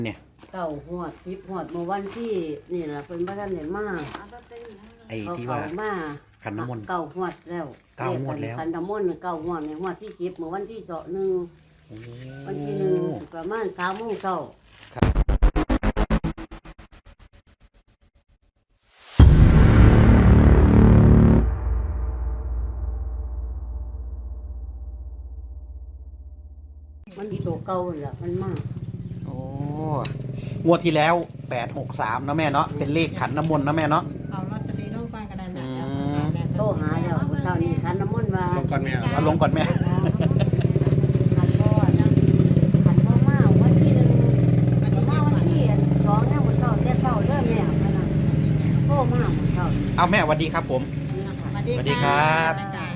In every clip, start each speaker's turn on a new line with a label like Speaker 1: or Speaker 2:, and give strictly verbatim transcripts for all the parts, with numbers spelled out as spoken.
Speaker 1: เนี่ย
Speaker 2: เก้าหวดสิบหวดเมื่อวันที่นี่แหละเป็นบ้านไหนมา
Speaker 1: ไอ้
Speaker 2: เขา
Speaker 1: ที่
Speaker 2: เขา
Speaker 1: ว่า
Speaker 2: มา
Speaker 1: ขันน้ำมนต์
Speaker 2: เก้าหวดแล้ว
Speaker 1: เก้าหวดแล้ว
Speaker 2: ขันน้ำมนต์เก้าหวดในหวดที่สิบเมื่อวันที่สองหนึ่ง
Speaker 1: โอ้
Speaker 2: วันที่หนึ่งประมาณสามโมงเช้ามันดีตัวเก่าแหละมันมาก
Speaker 1: โอ้งวดที่แล้วแปดหกสามเนาะแม่เนาะเป็นเลขขันน้ำมนต์เนาะแม่เนาะ
Speaker 3: เอาลอตเตอรี่ลงก่อนก็ได้แม่จ้ะ
Speaker 1: อืม
Speaker 3: แม่
Speaker 2: โทรหาแล้วเช้านี้ขันน้ำมนต์มา
Speaker 4: ลงก่อนแม่
Speaker 1: เอาลงก่อนแม่
Speaker 2: ขันพ่อนะขันพ่อมาวันที่หนึ่ง
Speaker 3: วันนี้
Speaker 2: มา
Speaker 3: เย็น
Speaker 2: วัน
Speaker 3: วัน
Speaker 2: ที่สองเนี่ยวันเช้าแต่เช้าเริ่มแม่พนันโทรมาวันเช้า
Speaker 1: เอาแม่สวัสดีครับผม
Speaker 3: สวัสดี
Speaker 1: สวัสดีครับ
Speaker 3: แม่จ๋า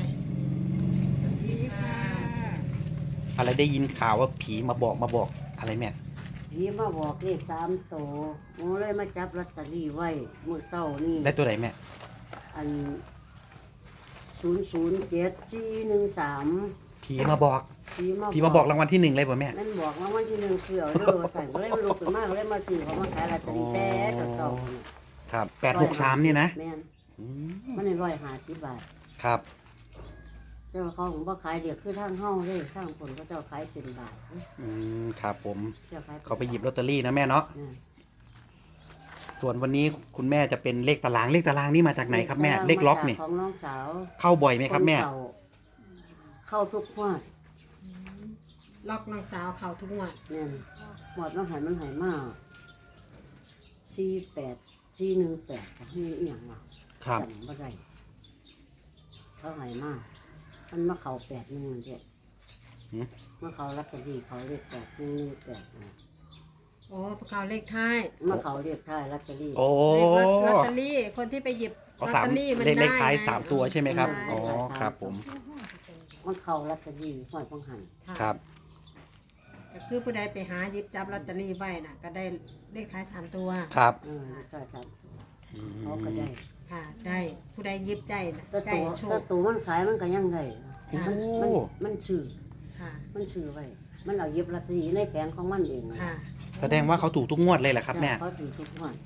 Speaker 1: อะไรได้ยินข่าวว่าผีมาบอกมาบอกอะไรแม่
Speaker 2: ผีมาบอกเลขสามโตโมเลยมาจับลอตเตอรี่ไว้เมื่อเช้านี่
Speaker 1: ได้ตัวไหนแม่
Speaker 2: อันศูนย์ศูนย์เจ็ดสี่หนึ่งสาม
Speaker 1: ผีมาบอก
Speaker 2: ผีมา
Speaker 1: ผีมาบอกรางวัลที่หนึ่งเลยป่ะแม่
Speaker 2: นั่นบอกรางวัลที่หนึ่งเสือเด้อใส่ก็เลยมาลุกขึ้นมาก็เลยมาซื้อเขามาขายลอตเตอรี่แต่เก่าๆ
Speaker 1: ครับแปดหกสามเนี่ยนะ
Speaker 2: แม่น
Speaker 1: อืม
Speaker 2: มันในร้อยห้าสิบบาท
Speaker 1: ครับ
Speaker 2: เจ้าเขาของบ่ขายเดียวคือทางเฮาเลยทางคนก็เจ้าขายเป็นบาท
Speaker 1: อืมครับผม
Speaker 2: เจ้าขายน
Speaker 1: เขาไปหยิบลอตเตอรี่นะแม่เนาะ
Speaker 2: อืม
Speaker 1: ส่วนวันนี้คุณแม่จะเป็นเลขตารางเลขตารางนี่มาจากไหนครับแม่เลขล็อกนี่
Speaker 2: ของน้องสาว
Speaker 1: เข้าบ่อยไหมครับแม่
Speaker 2: นเก่าเข้าทุกงวด
Speaker 3: ล็อกน้องสาวเขาทุกงวด
Speaker 2: แม่นหมดน้องหันมันหายมาสี่แปดสี่หนึ่งแปดนี่อหย่างวะ
Speaker 1: ครับ
Speaker 2: จำบ่ได้เขาหายมามันมาเข้าแปดหนึ่งเจ็ด
Speaker 1: หืม
Speaker 2: มาเข้าลอตเตอรี่เขาเรียกแปดหนึ่งหนึ่งแปดนะ
Speaker 3: โอ้ประกาศเลขท้าย
Speaker 2: มาเขาเรียกท้ายลอตเตอรี่
Speaker 1: โอ้
Speaker 3: เลขลอตเตอรี่คนที่ไปหยิบล
Speaker 1: เอา
Speaker 3: อต
Speaker 1: สาม
Speaker 3: เตอรี่มัน
Speaker 1: เลขเล
Speaker 3: ได้
Speaker 1: ขท้าย
Speaker 3: ไง
Speaker 1: สามตัวใช่ไหมครับ
Speaker 3: ใช่
Speaker 1: อ๋อครับผม
Speaker 2: มันเข้าลอตเตอรี่หอยพังหัน
Speaker 3: ะ
Speaker 1: ครับ
Speaker 3: ก็คือผู้ใดไปหาหยิบจับลอตเตอรี่ไว้น่ะ ก็ได้เลขท้ายสามตัว
Speaker 1: ครับ
Speaker 2: เออก็จ
Speaker 1: อื
Speaker 2: ำเขาก็ได้
Speaker 3: ค่ะ ได้ผู้ใดหยิบได้น่ะ
Speaker 2: ถ้า
Speaker 3: ได้
Speaker 2: ตัว
Speaker 3: โช
Speaker 2: ถ้า
Speaker 3: ค
Speaker 2: ตัวมันขายมันก็ยังได้
Speaker 3: ค่ะ
Speaker 2: มันมันมันซื้อ
Speaker 3: ค่ะ
Speaker 2: มันซื้อไว้ มันเอาเย็บลอตเตอรี่ในแผงของมันเองนะ
Speaker 3: ค่ะ
Speaker 1: แสดงว่าเขาถูกทุกงวดเลยแหละครับแม่
Speaker 2: เขาถือทุกวัน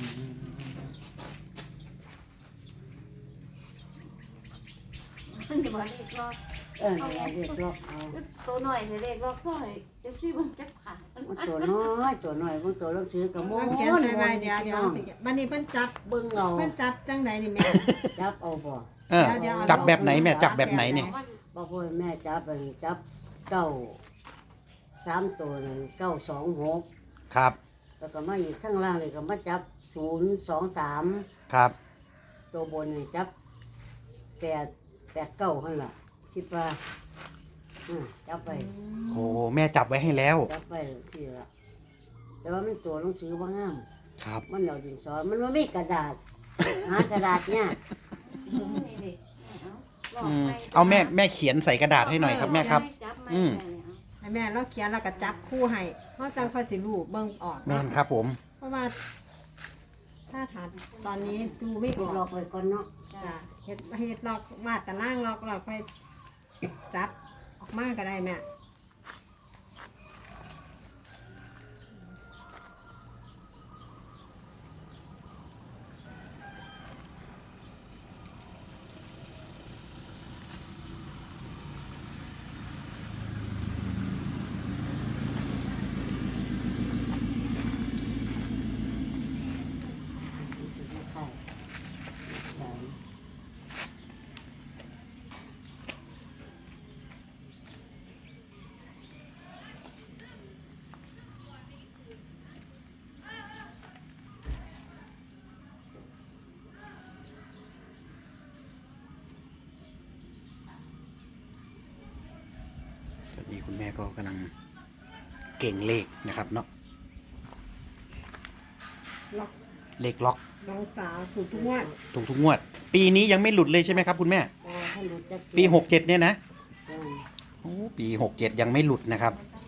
Speaker 2: เออเนี่ยเรียกล็อกเอา
Speaker 5: ตัวหน่อยใส่เลขล็อกซอยเดี๋ยวซี่มันจะผ่าน
Speaker 2: มันตัวน้อยตัวน้อยมันตัวเราซื้อกับโม่
Speaker 3: เขียนใส่ไว้เดี๋ยวเดี๋ยวสิวันนี้เพิ่นจับ
Speaker 2: เบิ่งเอา
Speaker 3: เพิ่นจับจังไดนี่แม่
Speaker 2: จับเอาบ่
Speaker 1: เออ
Speaker 3: เดี๋ยวๆ
Speaker 1: จับแบบไหนแม่จับแบบไหนเนี่ย
Speaker 2: บอกว่าแม่จับเป็นจับเก้าสามตัวนั่นเก้าสองหก
Speaker 1: ครับ
Speaker 2: แล้วก็มาอีกข้างล่างเลยก็มาจับศูนย์สองสาม
Speaker 1: ครับ
Speaker 2: ตัวบนนี่จับแปดแปดเก้าหั่นล่ะคิดว่าอ่าจับไป
Speaker 1: โอ้แม่จับไว้ให้แล้ว
Speaker 2: จับไปที่ละแต่ว่ามันตัวหนังสือว่างาม
Speaker 1: ครับ
Speaker 2: มันเอาดินสอมันไม่มีกระดาษ หากระดาษเนี่ย
Speaker 1: อืมเอาแม่แม่เขียนใส่กระดาษให้หน่อยครับแม่ครับ อืม
Speaker 3: ให้แม่เราเขียนแล้วก็จับคู่ให้เพราะจังค่อยสิรู้เบิ่งออก
Speaker 1: แม่นครับผม
Speaker 3: เพราะว่า ถ้าถามตอนนี้ดูไม่อ
Speaker 2: ถูกหล
Speaker 3: อ
Speaker 2: อก กไว้ก่อนเนาะ
Speaker 3: จ้ะเฮ็ดเฮ็ดลอกมาแต่ล่างลอกเราค่อยจับออกมาก็ได้แม่
Speaker 2: ใช่ใช่
Speaker 1: ตอนนี้คุณแม่ก็กำลังเก่งเลขนะครับเนาะ
Speaker 3: ล็อก
Speaker 1: เลขล็อก
Speaker 3: น้องสาวถูกทุกงวด
Speaker 1: ถูกทุกงวด ปีนี้ยังไม่หลุดเลยใช่ไหมครับคุณแม่
Speaker 2: อ๋อท่านรู้จัก
Speaker 1: ปีหกเจ็ดเนี่ยนะ
Speaker 2: อืม
Speaker 1: โอ้ปีหกเจ็ดยังไม่หลุดนะครับ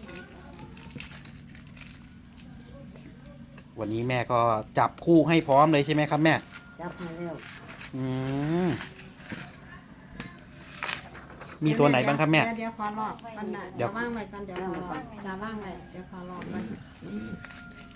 Speaker 1: วันนี้แม่ก็จับคู่ให้พร้อมเลยใช่ไหมครับแม่
Speaker 2: จับมาแล้ว
Speaker 1: อืมมีตัวไหนบ้างครับแม่
Speaker 3: เดี๋ยวเดี๋ยวขอลอกกันนะ
Speaker 1: เดี๋
Speaker 3: เดี๋
Speaker 1: ย
Speaker 3: ยว วว่างไว้ก่อนเดี๋ยวขอลอกจะว่างไว้เดี๋ยวขอลอกก่อน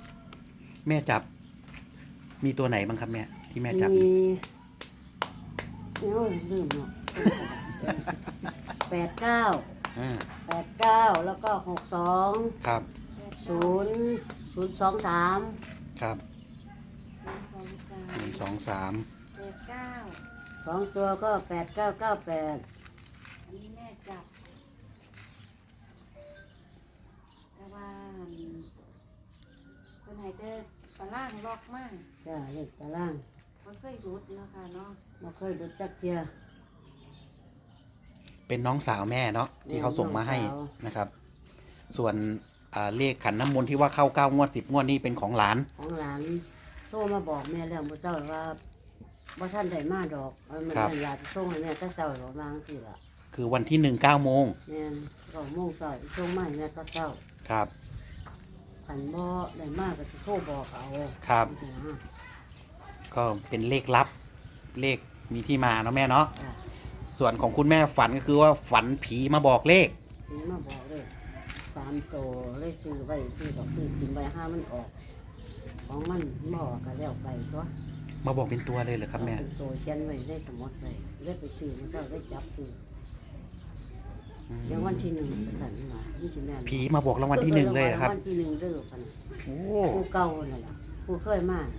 Speaker 1: แม่จับ มีตัวไหนบ้างครับแม่ที่แม่จับ
Speaker 2: มีโอ้ยลืมเนาะแปดเก้า
Speaker 1: อ่า
Speaker 2: แปดเก้าแล้วก็หกสอง
Speaker 1: ครับ
Speaker 2: ศูนย์ศูนย์สองสาม
Speaker 1: ครับ
Speaker 5: สองสา
Speaker 1: ห
Speaker 5: ม
Speaker 1: นึ่งสองสาม
Speaker 5: แปดเก้า
Speaker 2: สองตัวก็แปดเก้าเก้าแปด
Speaker 5: อันนี้แม่จับแต่ว่าคนไหนเจอปลาล่างล็อกมาก
Speaker 2: จ้าเลขตาราง
Speaker 5: มันเคยรุดเนาะค่ะเนาะ
Speaker 2: ไม่เคยดูจักเทีย
Speaker 1: เป็นน้องสาวแม่เนาะที่เขาส่งมาให้
Speaker 2: น้องสาว
Speaker 1: นะครับ ส่วนอ่าเลขขันน้ำมนต์ที่ว่าเข้าเก้างวดสิบงวดนี่เป็นของหลาน
Speaker 2: ของหลานโทรมาบอกแม่แล้วมื่อเช้าว่าบ่ท่านได้มาดอกเอามัน
Speaker 1: ครับ
Speaker 2: นั่นล่ะส่งให้แม่แตะเช้าหรอกวาจังสิล่ะ
Speaker 1: คือวันที่หนึ่งเก้าโมง
Speaker 2: แม่นก็โมงเช้าส่งมาให้แม่แตะเช้า
Speaker 1: ครับ
Speaker 2: ขันบ่ได้มาก็สิโทรบอกเอา
Speaker 1: ครับ
Speaker 2: จังซี่นะ
Speaker 1: ก็เป็นเลขลับ เลขมีที่มาเนาะแม่เนาะ
Speaker 2: จ้ะ
Speaker 1: ส่วนของคุณแม่ฝันก็คือว่าฝันผีมาบอกเลข
Speaker 2: ถึงมาบอกเลยสามโตเลยซื้อไว้ซื้อดอกซื้อสินไว้ห้ามันออก ของมันบ่ก็แล้วไปตัว
Speaker 1: มาบอกเป็นตัวเลยเหรอครับแม่
Speaker 2: เอาเป็นโตเขียนไว้ในสมุดไว้เลยไปซื้อมันก็ได้จับซื้อ
Speaker 1: อืม
Speaker 2: เดี๋ยววันที่หนึ่งไปสั่นมานี่สิแม่น
Speaker 1: ผีมาบอกรางวัลที่หนึ่งเลยเหรอครับ
Speaker 2: วันที่หนึ่งเด้อพัน
Speaker 1: โอ้
Speaker 2: ผู้เก่านั่นล่ะผู้เคยมา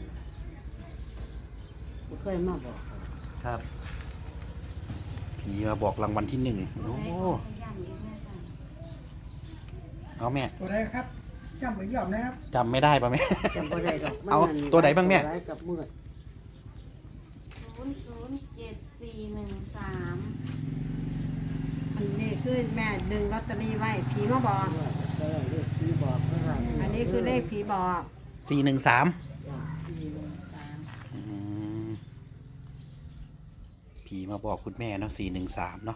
Speaker 2: ผู้เคยมาบอกเขา
Speaker 1: ครับ ผีมาบอกรางวัลที่หนึ่ง
Speaker 5: โอ้
Speaker 1: โอ้
Speaker 5: ย้ำอีกแม่ค่ะ
Speaker 1: เอาแม่
Speaker 4: ตัวใดครับจำอีกรอบนะครับ
Speaker 1: จำไม่ได้ปะแม่
Speaker 2: จำบ่ได้ดอกมัน
Speaker 1: เอา
Speaker 2: นั่น
Speaker 1: ตัวไหนบ้างแม่
Speaker 2: ตัวร้ายกับมืด
Speaker 5: ศูนย์ศูนย์เจ็ดสี่หนึ่งสาม
Speaker 3: อันนี้คือแม่ดึงลอตเตอรี่ไว้ผีมาบอก
Speaker 2: มืดก็เลยเลขที่บอกเพิ่นว่า
Speaker 3: อันนี้คือเลขผีบอก
Speaker 1: สี่หนึ่งสาม
Speaker 2: จ้ะ
Speaker 5: สี่หนึ่งสาม
Speaker 1: ผีมาบอกคุณแม่เนาะสี่หนึ่งสามเนาะ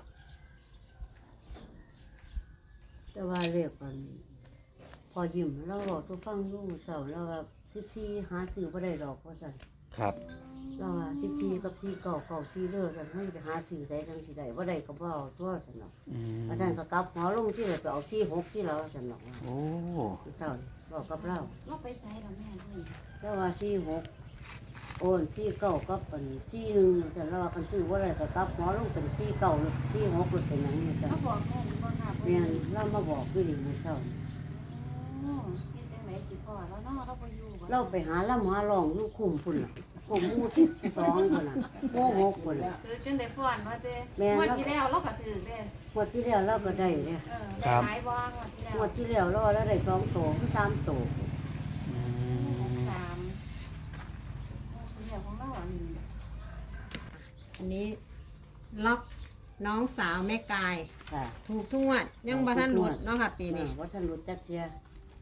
Speaker 2: แต่ว่าเลขมันพอยิ้มแล้วบอกทุกฟังลูกเสาร์แล้วว่าสิบสี่หาซื้อบ่ได้ดอกว่าซั่น
Speaker 1: ครับ
Speaker 2: เราว่าสิบสี่กับสี่เก่าเก่าสี่เด้อซั่นมันไปหาซื้อใส่จังสิได้บ่ได้ก็บ่เอาตัวซั่นเนาะ
Speaker 1: อืม
Speaker 2: อาจารย์ก็กลับหัวลงที่เลยไปเอาสี่หกที่เราซั่นเนาะ
Speaker 1: โอ้
Speaker 2: เศร้านี่บอกกับเรา
Speaker 5: เราไปใส่กับแม่ด้วย
Speaker 2: แต่ว่าสี่หกโอนสี่เก้ากับอันสี่หนึ่งซั่นเราว่ากันซื้อบ่ได้ก็กลับหัวลงเป็นสี่เก้าหรือสี่หกหรือเป็นหยังนี่ซั่น
Speaker 5: เราบอกแม่หรือบ่ค่ะ
Speaker 2: แม่นเรามาบอกอยู่นี่มื้อเช้านี่
Speaker 5: โอ้เฮ็ดจังไหนสิพ่อแล้วเนาะเราบ่อยู่บ่
Speaker 2: เราไปหาลำหาลองอยู่คุ้มพุ่นล่ะคุ้มหมู่สิบสองพุ่นน่ะหมู่หกพุ่นน่ะ
Speaker 5: ถือจนได้ฟ้อนว่าเด้
Speaker 2: แม่น
Speaker 5: งวดที่แล้วเราก็ถือเด้
Speaker 2: งวดที่แล้วเราก็ได้เด้
Speaker 5: เออได้หลายบ่งวดที่แล้ว
Speaker 2: งวดที่แล้วเราแล้วได้สองโตคือสามโต
Speaker 1: อื
Speaker 5: หก
Speaker 1: ม
Speaker 5: สามงวดที่แล้วของเราอัน
Speaker 3: อันนี้ล็อกน้องสาวแม่กาย
Speaker 2: ค่ะ
Speaker 3: ถูกทุกงวดยังบ่ทันหลุดเนาะค่ะ ปีนี้
Speaker 2: อ่าว่าท่านรู้จักเจีย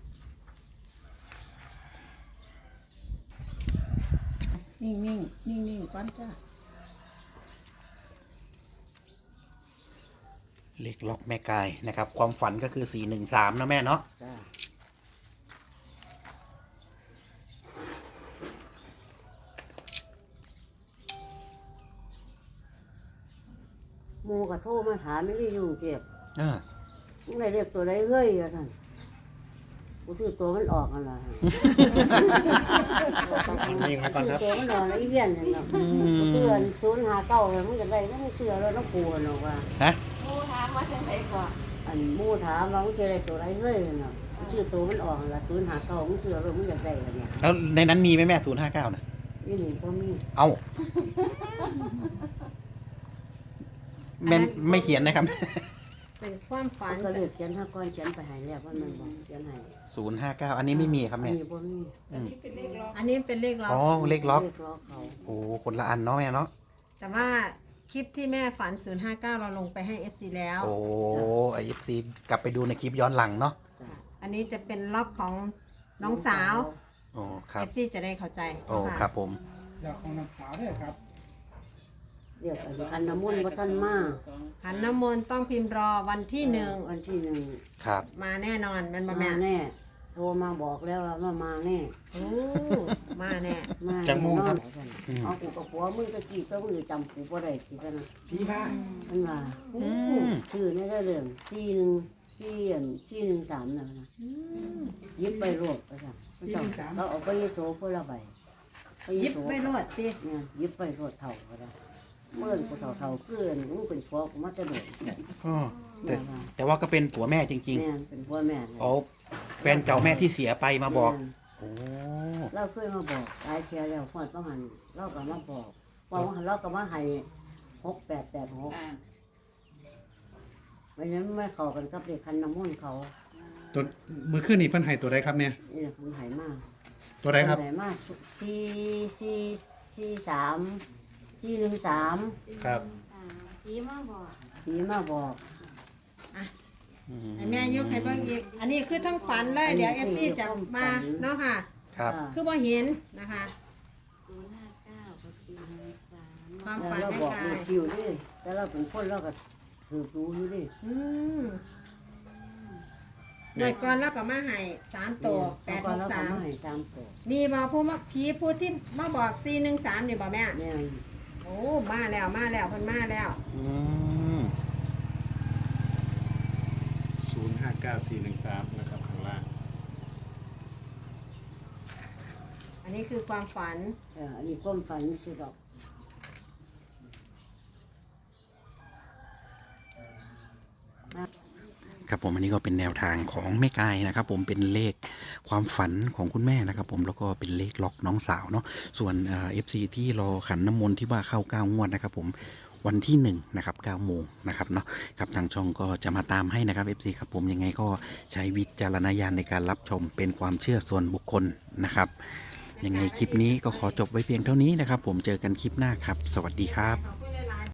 Speaker 3: นิ่งนิ่งนิ่งนิ่งๆก่อนจ้า
Speaker 1: เลขล็อกแม่กายนะครับ ความฝันก็คือสี่หนึ่งสามนะแม่เนาะ
Speaker 2: จ้าหมูกระโทรมาถามไม่ได้ยุ่งเจ็บ
Speaker 1: เออ
Speaker 2: มึงได้เรียกตัวใดเฮ้ยอะท่านกูซื้อตัวมันออกกันละซื้อตัวมันออกแล้วอีเวียนอย่างเงี้ยกูซื้อศูนย์หาเก้าเลยมึงจะได้ก็ไม่เชื่อแล้วน้องกูหรอกว่า
Speaker 1: ฮะ
Speaker 5: โอ้ถามว่าจังไดก่อน
Speaker 2: อันหมูถามว่ามึงจะได้ตัวใดเฮ้ยเนาะกูซื้อตัวมันออกละศูนย์หาเก้ามึงเชื่อแล้วมึงจะได้กันเนี่ย
Speaker 1: แล้วในนั้นมีไหมแม่ศูนย์ห้าเก้านะ
Speaker 2: นี่นี่พ่อมี
Speaker 1: เอ้าแม่ไม่เขียนนะครับ
Speaker 3: เป็นความฝัน
Speaker 2: ก็เลยเขียนห้าก้อนเขียนไปใหายแล้วว่ามันบอกเขียนให้
Speaker 1: ศูนย์ห้าเก้าอันนี้ไม่มีครับ
Speaker 2: อัน
Speaker 1: แม่
Speaker 2: นี้พ่อมี
Speaker 1: อืม
Speaker 3: อันนี้เป็นเลขล็อก
Speaker 1: อ๋อเลขล็อก
Speaker 2: เลขล็อกเขา
Speaker 1: โอ้คนละอันเนาะแม่เนาะ
Speaker 3: แต่ว่าคลิปที่แม่ฝัน ศูนย์ห้าเก้า เราลงไปให้ เอฟ ซี แล้ว
Speaker 1: โอ้ไอเอฟซีกลับไปดูในคลิปย้อนหลังเนาะ
Speaker 2: จ้ะ
Speaker 3: อันนี้จะเป็นล็อกของน้องสาว
Speaker 1: โอ้ครับ
Speaker 3: เอฟ ซี จะได้เข้าใจ
Speaker 1: โอ้
Speaker 3: ะ
Speaker 1: ครับผม
Speaker 4: เดี๋ยวของน้องสาวด้วยครับ
Speaker 2: เรียกอันคันน้ำมนต์ว่าท่านมา
Speaker 3: ขันน้ำมนต์ต้องพิมพ์รอวันที่หนึ่ง
Speaker 2: วันที่หนึ่ง
Speaker 1: ครับ
Speaker 3: มาแน่นอนแมันบ่
Speaker 2: มา
Speaker 3: แม่
Speaker 2: แน่โทรมาบอกแล้วว่ามามาแน่
Speaker 3: โอ้มาแน่
Speaker 2: มา
Speaker 1: จังมุ่งครับ
Speaker 2: แน่นอน
Speaker 1: อืม
Speaker 2: เอากูกับผัวมึงตะกี้ก็มึงจำกูบ่ได้สิกันนะ
Speaker 4: พี่มา
Speaker 2: มันว่า
Speaker 1: อืม
Speaker 2: ชื่อในเรื่องสี่หนึ่งสี่อันสี่หนึ่งสามนะนะ
Speaker 3: อืม
Speaker 2: ยิบไปรวบไปจ้ะมันเจ้าเขาเอาไปยโสเพื่อละใบไป
Speaker 3: หยิบ
Speaker 2: โส
Speaker 3: ไปโลดติ
Speaker 2: เนี่ยยิบไปรถเท่าก็ได้เมื่อนกูเท่าเท่าเกลื่อนกูเป็นพวกมาจะโดด
Speaker 1: อ๋อแต่
Speaker 2: แม่ว่า
Speaker 1: แต่ว่าก็เป็นผัวแม่จริง
Speaker 2: แม่นเป็นพ่อแม่
Speaker 1: ๆอ๋อแฟนเก่าแม่ที่เสียไปมาบอก โอ้
Speaker 2: เราเคยมาบอกหลายเทียแล้วพอดประมาณเราก็มาบอกว่าว่าเราก็มาให้หกแปดแปดหกไม่งั้นไม่เข้ากันกับเด็กคันน้ำมนต์เขา
Speaker 6: ตัวมือขึ้นนี่เพิ่นให้ตัวใดครับแม่
Speaker 2: นี่แหละคนหายมาก
Speaker 6: ตัวใดครับ
Speaker 2: หายมากสี่สี่สี่สามสี่หนึ่งสาม
Speaker 6: ครับ
Speaker 5: สามผีมาบอก
Speaker 2: ผีมาบอก
Speaker 3: ให้แม่ยกให้เบิ่งอีก อันนี้คือทั้งฝันเลยเดี๋ยว เอฟ ซี จะมาเนาะค่ะ
Speaker 1: ครับ
Speaker 3: คือบ่เห็นนะคะ
Speaker 5: ศูนย์ห้าเก้ากับสี่หนึ่งสาม
Speaker 3: ความ
Speaker 2: แล้ว
Speaker 3: ฝัน
Speaker 2: เรา
Speaker 3: ให้
Speaker 2: บอก
Speaker 3: กา
Speaker 2: เลย
Speaker 3: ย
Speaker 2: คิวนี่แต่เราเป็นคนเราก็ถือดูอยู่ดิ
Speaker 3: อืมหน่วยก่อนแล้วก็มาให้สามตัวแปดหกสาม
Speaker 2: ให้สามตัว
Speaker 3: นี่บ่ผู้มาผีผู้ที่มาบอกสี่หนึ่งสามนี่บ่แม่
Speaker 2: เนี่ย
Speaker 3: โอ้มาแล้วมาแล้วเพิ่นมาแล้ว
Speaker 1: อืม
Speaker 6: ศูนย์ห้าเก้าสี่หนึ่งสามนะครับข้างล่าง
Speaker 3: อันนี้คือความฝัน
Speaker 2: เอออันนี้ก้มฝันสิดอก
Speaker 1: ครับผมอันนี้ก็เป็นแนวทางของแม่กายนะครับ ผมเป็นเลขความฝันของคุณแม่นะครับ ผมแล้วก็เป็นเลขล็อกน้องสาวเนาะส่วนเอ่อฟซีที่รอขันน้ำมนต์ที่ว่าเข้าเก้างวดนะครับ ผมวันที่หนึ่งนะครับเก้าโมงนะครับเนาะครับทางช่องก็จะมาตามให้นะครับ เอฟ ซี ครับผมยังไงก็ใช้วิจารณญาณในการรับชมเป็นความเชื่อส่วนบุคคลนะครับยังไงคลิปนี้ก็ขอจบไว้เพียงเท่านี้นะครับ ผมเจอกันคลิปหน้าครับ สวัสดีครับ